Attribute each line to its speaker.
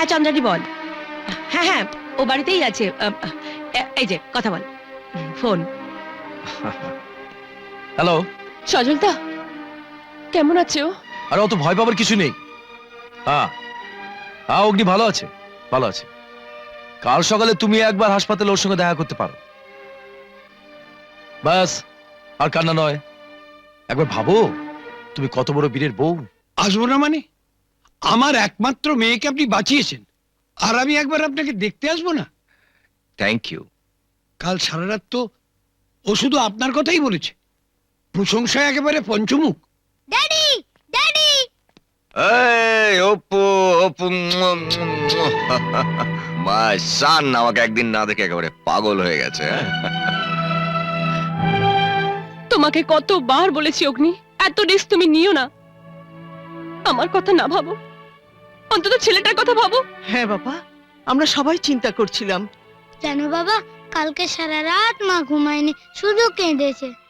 Speaker 1: চন্দ্রানী বল। হ্যাঁ হ্যাঁ, ও বাড়িতেই আছে। এই যে কথা বল, ফোন।
Speaker 2: হ্যালো।
Speaker 3: সজলদা কেমন আছো?
Speaker 2: আর অত ভয় পাবার কিছু নেই। হ্যাঁ হ্যাঁ, অগ্নি ভালো আছে, ভালো আছে। কাল সকালে তুমি একবার হাসপাতালে ওর সঙ্গে দেখা করতে পারো। ব্যাস, আর কান্না নয়। একবার ভাবো তুমি কত বড় বীরের বউ।
Speaker 4: আসবো না মানে? আমার একমাত্র মেয়েকে আপনি বাঁচিয়েছেন, আর আমি একবার আপনাকে দেখতে আসবো না?
Speaker 2: Thank you.
Speaker 4: কাল সারা রাত তো ও শুধু আপনার কথাই বলেছে, প্রশংসায় একেবারে পঞ্চমুখ।
Speaker 5: Daddy, daddy.
Speaker 6: এই অপু, অপু, মাই সান আমাকে একদিন না দেখে একেবারে পাগল হয়ে গেছে।
Speaker 3: তোমাকে কতবার বলেছি অগ্নি, এত রিস্ক তুমি নিও না। আমার কথা না ভাবো, অন্তত ছেলেটার কথা ভাবো।
Speaker 7: হ্যাঁ বাবা, আমরা সবাই চিন্তা করছিলাম।
Speaker 5: জানো বাবা, কালকে সারা রাত মা ঘুমায়নি, শুধু কেঁদেছে।